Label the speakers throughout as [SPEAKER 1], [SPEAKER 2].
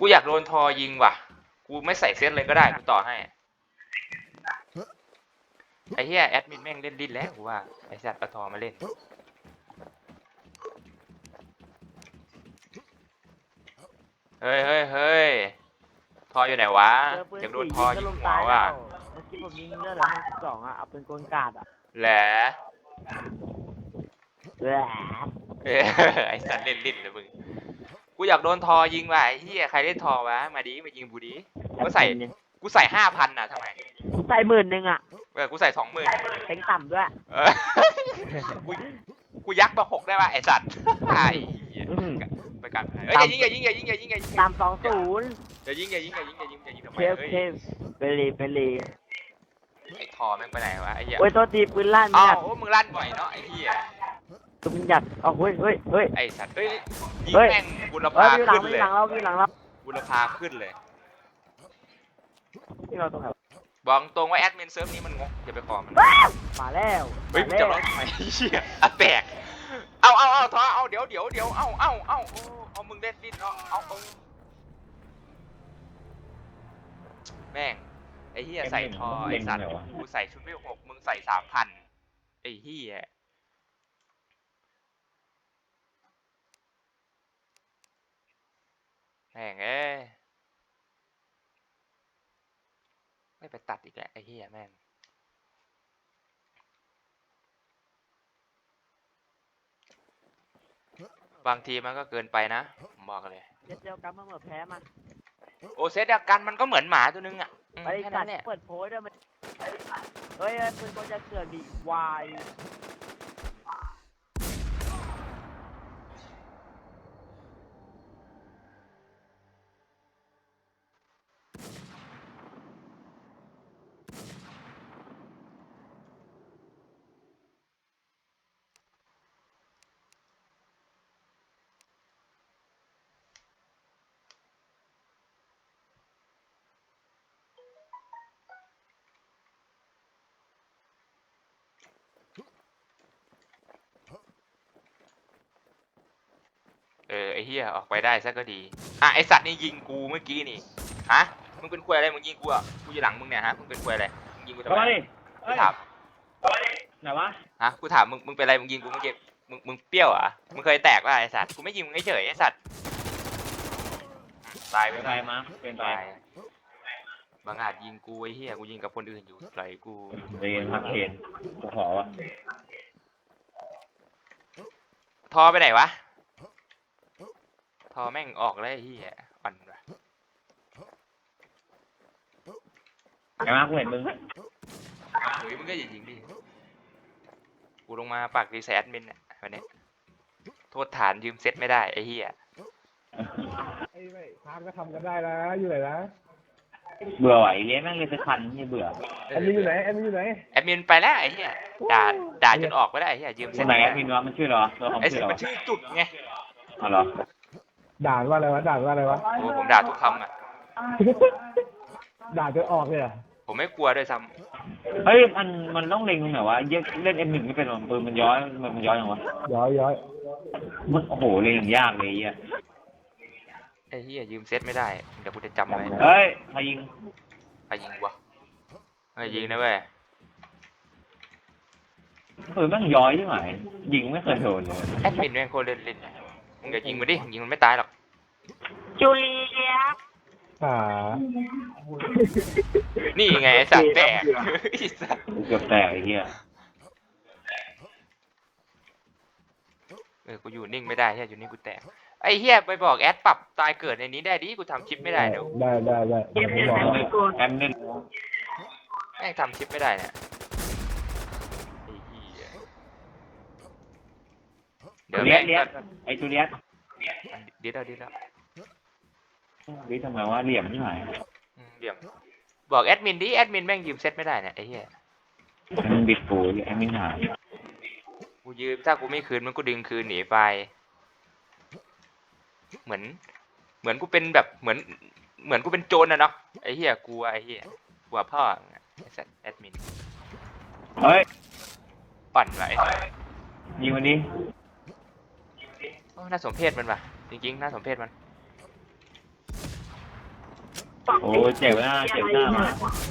[SPEAKER 1] กูอยากโดนทอยิงว่ะกูไม่ใส่เซตเลยก็ได้กูต่อให้ไอ้เหี้ยแอดมินแม่งเล่นดิ้นแล้วกูว่าไอ้สัตว์ปะทอมาเล่นเฮ้ยเฮ้ยเฮ้ยทออยู่ไหนวะอยากโดนทอยิงหัวว่ะ
[SPEAKER 2] เมื่อกี้ผมยิงเลือดเหลือ52อ่ะเอาเป็นกลกาดอ่ะ
[SPEAKER 1] แหละ
[SPEAKER 2] แหละ
[SPEAKER 1] ไอ้สัตว์เล่นลิ้นเลยมึงกูอยากโดนทอยิงว่ะไอ้เหี้ยใครเล่นทอวะมาดิมายิงกูดิกูใส่5,000น่ะทำไม
[SPEAKER 2] ใส่10,000อ่ะ
[SPEAKER 1] กูใส่20,000
[SPEAKER 2] เต็งต่ำด้วย
[SPEAKER 1] กูยักษ์มา6ได้ป่ะไอ้สัตว์ไอ้ไปกันเฮ้ยอย่ายิง
[SPEAKER 2] ต่ำ20
[SPEAKER 1] อย่ายิงทำไม
[SPEAKER 2] เทปไปเลย
[SPEAKER 1] ไอ้ทอแม่งไปไหนวะไอ้เหี้ย
[SPEAKER 2] โอ้ยตัวตีปืนลั่น
[SPEAKER 1] อ้าวมึงลั่นบ่อยเนาะไอ้เหี้ย
[SPEAKER 2] ตุ้มหยัดเฮ้ย
[SPEAKER 1] ไอ้สัตว์ยิงแม่งบุรพาขึ้นเลย
[SPEAKER 2] หลังเรา
[SPEAKER 1] บุรพาขึ้นเลย
[SPEAKER 2] ที่เราตรงไหน
[SPEAKER 1] บอกตรงว่าแอดมินเซิร์ฟนี้มันงกอย่าไปขอมัน
[SPEAKER 2] มาแล้ว
[SPEAKER 1] เฮ้ยจะร้องทำไมเหี้ยอ่ะแตกเอาทอเอาเดี๋ยวเอามึงเล่นดิ้นเอาแม่งไอ้เหี้ยใส่ทอไอ้สัตว์กูใส่ชุดไม่6มึงใส่3,000ไอ้เหี้ยแม่งไม่ไปตัดอีกแล้วไอ้เหี้ยแม่งบางทีมันก็เกินไปนะผมบอกเลย
[SPEAKER 2] เจ็ดเดียวกันมาเหมือนแพ้มัน
[SPEAKER 1] โอเซตเดียวกันมันก็เหมือนหมาตัวนึงอ่ะ
[SPEAKER 2] ไปกัดเปิดโพสด้วยมันเฮ้ยปืนก็จะเสือกดีวาย
[SPEAKER 1] ไอ้เหี้ยออกไปได้ซะก็ดีอ่ะไอสัตว์นี่ยิงกูเมื่อกี้นี่ฮะมึงเป็นควยอะไรมึงยิงกูอ่ะกูอยู่หลังมึงเนี่ยฮะมึงเป็นควยอะไรมึงยิงกูทำไมกูถาม
[SPEAKER 2] ไหนวะ
[SPEAKER 1] ฮะกูถามมึงเป็นอะไรมึงยิงกูเมื่อกี้มึงเปรี้ยวอ่ะมึงเคยแตกป่ะไอสัตว์กูไม่ยิงมึงเฉยไอสัตว์ตายไป
[SPEAKER 2] มาเป็นตาย
[SPEAKER 1] บางอาจยิงกูไอ้เหี้ยกูยิงกับคนอื่นอยู่ไหลกู
[SPEAKER 2] เรียนพักเห็นกูขอวะ
[SPEAKER 1] ทอไปไหนวะทอแม่งออกแล้วไอ้เหี้ยปั่นว่ะ
[SPEAKER 2] ไงมากูเห็นมึง
[SPEAKER 1] เฮ้ยมึงก็อย่ายิงดิกูลงมาปากดีแซดมินอ่ะวันนี้โทษฐานยืมเซ็ตไม่ได้ไอ้เหี้ย
[SPEAKER 3] ไอ้ไม่ทานก็ทำกันได้นะอยู่ไหนนะ
[SPEAKER 2] เบื่อไหวเลี้ยแม่งเลยจะคันนี่เบื่อ
[SPEAKER 3] แอดมินอยู่ไหนแอดมินอยู่ไหน
[SPEAKER 1] แอดมินไปแล้วไอ้เหี้ยด่าจนออกไปได้ไอ้เหี้ยยืมเซ็ต
[SPEAKER 2] ไหนแอดมินวะมันชื่อเหรอ
[SPEAKER 1] ไอ้สิมันชื่อจุดไง
[SPEAKER 2] อ๋อเหรอ
[SPEAKER 3] ด่าว่าอะไรวะด่าว่าอะไรวะ
[SPEAKER 1] โอ้ผมด่าทุกคำอ่ะ
[SPEAKER 3] ด่าจนออกเลยอ่ะ
[SPEAKER 1] ผมไม่กลัวด้วยซ้
[SPEAKER 2] ำเฮ้ยมันต้องเล็งตรงไหนวะเล่น M1 ไม่เป็นหรอปืนมันย้อยอย่างวะ
[SPEAKER 3] ย้อย
[SPEAKER 2] มันโอ้โหเล็งอย่างยากเลย
[SPEAKER 1] ไอ้เหี้ยยืมเซ็ตไม่ได้เดี๋ยวกูจะจำไว้
[SPEAKER 2] เฮ้ยใครยิง
[SPEAKER 1] วะยิงนะเว้ย
[SPEAKER 2] ปืนแม่งย้อยใช่ไหมยิงไม่เคยโดนเลย
[SPEAKER 1] แอดมินแม่งโคตรเล่นมึงอย่ายิงมันดิยิงมันไม่ตายหรอก
[SPEAKER 2] จูเลีย
[SPEAKER 1] นี่ไงไอ้สัตว์แตก
[SPEAKER 2] เกือบแตกไอ้เหี้ย
[SPEAKER 1] กูอยู่นิ่งไม่ได้เฮียอยู่นิ่งกูแตกไอ้เฮียไปบอกแอดปรับตายเกิดในนี้ได้ดิกูทำคลิปไม่ได้เดี๋ยว
[SPEAKER 3] ได้
[SPEAKER 2] แอมเล่น
[SPEAKER 1] แม่งทำคลิปไม่ได้เนี่ยไอ้เฮีย
[SPEAKER 2] เดี๋ยวเลี้ยไอ้จูเลีย
[SPEAKER 1] ดีแล้ว
[SPEAKER 2] ทำไมว่าเหลี่ยมนี่หน่อย
[SPEAKER 1] เหลี่ยมบอกแอดมินดิแอดมินแม่งยืมเซตไม่ได้เนี่ยไอ้เหี้ย
[SPEAKER 2] มันบิดปูแอดมินหาย
[SPEAKER 1] กูยืมถ้ากูไม่คืนมันก็ดึงคืนหนีไปเหมือนกูเป็นแบบเหมือนกูเป็นโจรนะเนาะไอ้เหี้ยกลัวพ่อไอ้สัตว์แอดมิน
[SPEAKER 2] เฮ้ย
[SPEAKER 1] ปั่นไว้
[SPEAKER 2] ยิงมันดิ
[SPEAKER 1] น่าสมเพชมันว่ะจริงๆน่าสมเพชมัน
[SPEAKER 2] โอ้เจ็บหน้าเจ็บหน้ามา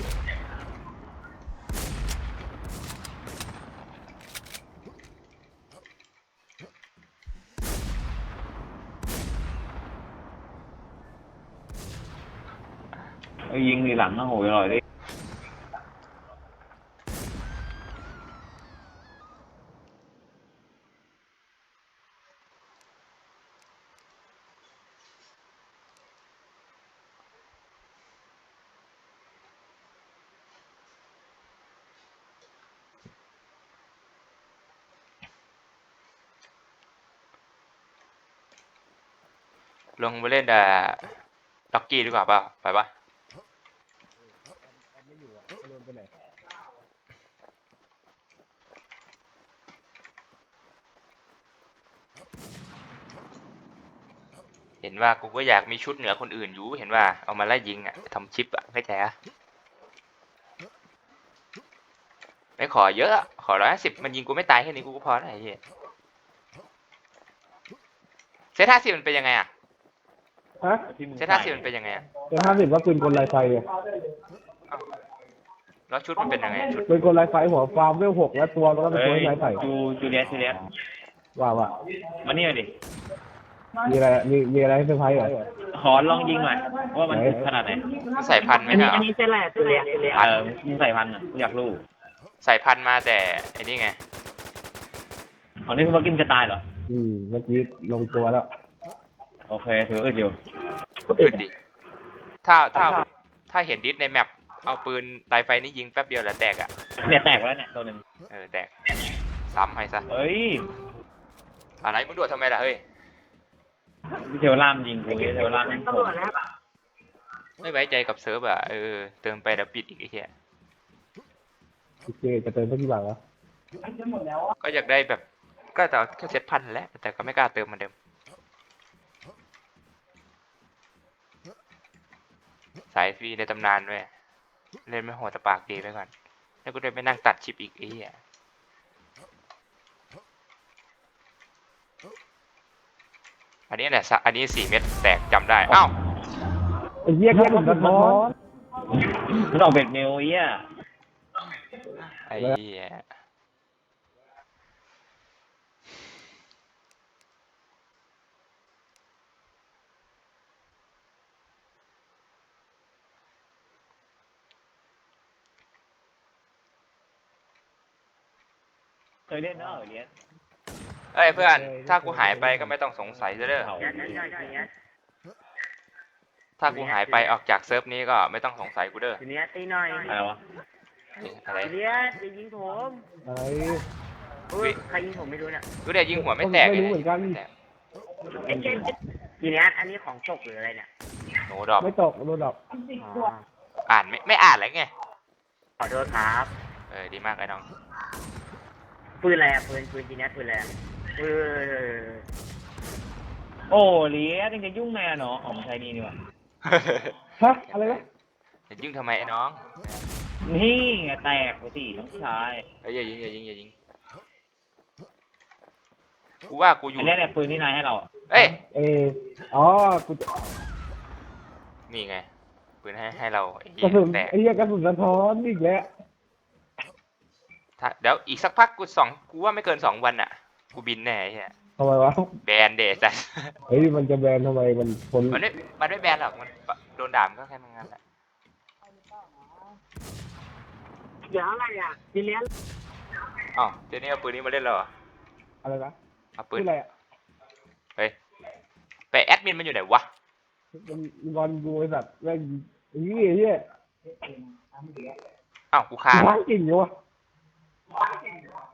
[SPEAKER 2] ยิงทีหลังนะโหยอร่อยดิ
[SPEAKER 1] ลงไปเล่นล็อกกี้ดีกว่าเปล่าไปปะ
[SPEAKER 3] ไม่อยู่อ่ะไม่รู้ไปไหน
[SPEAKER 1] เห็นว่ากูก็อยากมีชุดเหนือคนอื่นอยู่เห็นว่าเอามาไล่ยิงอ่ะทำชิปอ่ะเข้าใจอ่ะไม่ขอเยอะอะขอ150มันยิงกูไม่ตายแค่นี้กูก็พอแล้วไอ้เหี้ยเซต50มันเป็นยังไงอ่ะ
[SPEAKER 3] ฮะ
[SPEAKER 1] เซต50มันเป็นยังไงอ่ะ
[SPEAKER 3] เป็น50ว่าปืนกลลายไฟไง
[SPEAKER 1] เอ้าแล้วชุดมันเป็นยังไงชุด
[SPEAKER 3] ปืนกลลายไฟหัวฟาร์มเวล6แล้วตัวมันก็เป็นตัวที่ลายไฟ
[SPEAKER 2] จูเลียส
[SPEAKER 3] ว่า
[SPEAKER 2] มานี่ดิ
[SPEAKER 3] มีอะไรมีอะไรให้เซอร์ไพรส์เหรอ
[SPEAKER 2] ขอลองยิงหน่อยว่ามันขนาดไหน
[SPEAKER 1] มันใส่พันธุ์ไหมครับ
[SPEAKER 2] มึงใส่พันอ่ะกูอยากรู้
[SPEAKER 1] ใส่พันธุ์มาแต่ไอ้นี่ไง
[SPEAKER 2] ของนี่คือมากินจะตายเหรอ
[SPEAKER 3] เมื่อกี้ลงตัวแล้ว
[SPEAKER 2] โอเคถืออยู่
[SPEAKER 1] ขึ้นดิถ้าเห็นดิสในแมปเอาปืนไตรไฟนี่ยิงแป๊บเดียวแหละแตกอ่ะ
[SPEAKER 2] เนี่ยแตกแล้วเนี่ยตัวหนึ่ง
[SPEAKER 1] แตกซ้ำให้ซะ
[SPEAKER 2] เฮ้ย
[SPEAKER 1] อะไรมึงดวดทำไมล่ะเฮ้ย
[SPEAKER 2] พี่เทวรามยิงกูเทวรามยิงผม
[SPEAKER 1] ไม่ไว้ใจกับเซิร์ฟอ่ะเติมไปแล้วปิดอีกไอ้เหี้ย
[SPEAKER 3] โอเคจะเติมเท่ากี่บาทวะ
[SPEAKER 1] ก็อยากได้แบบก็แต่แค่เซตพันแหล้วแต่ก็ไม่กล้าเติมเหมือนเดิมสายฟรีในตำนานเว้ยเล่นไม่โหดแต่ปากดีไปก่อนแล้วก็ได้ไปนั่งตัดชิปอีกไอ้เหี้ยอันนี้แหละอันนี้4 เม็ดแตกจำได้อ้าว
[SPEAKER 3] ไอ้เหี้ยแค่ผมสะท้อน
[SPEAKER 2] มันออกเบ็ดเมลเอี้ย
[SPEAKER 1] ไอ้เหี้ย
[SPEAKER 2] เคยเล่นเนอะเลียส
[SPEAKER 1] เอ้ยเพื่อนถ้ากูหายไปก็ไม่ต้องสงสัยเด้อถ้ากูหายไปออกจากเซิร์ฟนี้ก็ไม่ต้องสงสัยกูเด้อ
[SPEAKER 4] ทีเนี้ยตีหน่อย
[SPEAKER 2] อะไรวะ
[SPEAKER 1] อะไร
[SPEAKER 4] ทีเนี้ยจะยิงผม
[SPEAKER 3] อะไร
[SPEAKER 4] อุ้ยใครยิงผมไม่รู้เนี่ย
[SPEAKER 1] กูเดี๋ยวยิงหัวไม่แตก
[SPEAKER 3] ไม่
[SPEAKER 1] เลย
[SPEAKER 3] รู้เหมือนกัน
[SPEAKER 1] ไม่แตก
[SPEAKER 4] ทีเนี้ยอันนี้ของตกหรืออะไรเนี่ย
[SPEAKER 1] โนดอก
[SPEAKER 3] ไม่ตกโดนดอก
[SPEAKER 4] อ๋อ
[SPEAKER 1] อ่านไม่อ่านอะไรไง
[SPEAKER 4] ขอโทษครับ
[SPEAKER 1] ดีมากไอ้น้อง
[SPEAKER 4] ปืนอะไรอะปืนทีเนี้ยปืนอะไรอะปืน
[SPEAKER 2] โอ้เลียสยังจะยุ่งแม่เนาะอ๋อมันใช้นี่นี่วะ
[SPEAKER 3] ฮะอะไรวะ
[SPEAKER 1] จะยิงทำไมไอ้น้อง
[SPEAKER 2] นี่ไงแตกไปสิน้องชาย
[SPEAKER 1] อย่ายิงกูว่ากูอยู่
[SPEAKER 2] อันนี้เนี่ยปืนที่นายให้เราอะ
[SPEAKER 1] เอ้ย
[SPEAKER 3] อ๋อกู
[SPEAKER 1] นี่ไงปืนให้เราไอ้
[SPEAKER 3] กระ
[SPEAKER 1] เหี้
[SPEAKER 3] สุ
[SPEAKER 1] ย
[SPEAKER 3] น
[SPEAKER 1] แตก
[SPEAKER 3] ไอ้เหี้ยกระสุนสะท้อนอีกแล้ว
[SPEAKER 1] เดี๋ยวอีกสักพักกูว่าไม่เกิน2 วันอ่ะกูบินแน่ไอ้เหี้ย
[SPEAKER 3] ทำไมวะ
[SPEAKER 1] แบนเดจ้ะ
[SPEAKER 3] เฮ้ยมันจะแบนทำไมมันคน
[SPEAKER 1] มันไม่แบนหรอกมันโดนด่ามนก็แค่นั้นแหละ
[SPEAKER 4] เดี๋ยวอะไรอะทีเนี้ย
[SPEAKER 1] อ๋อเดี๋ยวนี้เอาปืนนี้มาเล่นแล้วเหรอ
[SPEAKER 3] อะไรนะ
[SPEAKER 1] เอาปื
[SPEAKER 3] ชื่
[SPEAKER 1] น
[SPEAKER 3] ออะไรอ่ะ
[SPEAKER 1] เฮ้ยไปแอดมินมันอยู่ไหนวะ
[SPEAKER 3] มันบอลดูไอ้สัตว์แม่งไอ้เหี้ยเหี้ย
[SPEAKER 1] อ้าวกูฆ่า
[SPEAKER 3] ล้างกลิ่นอยู่วะ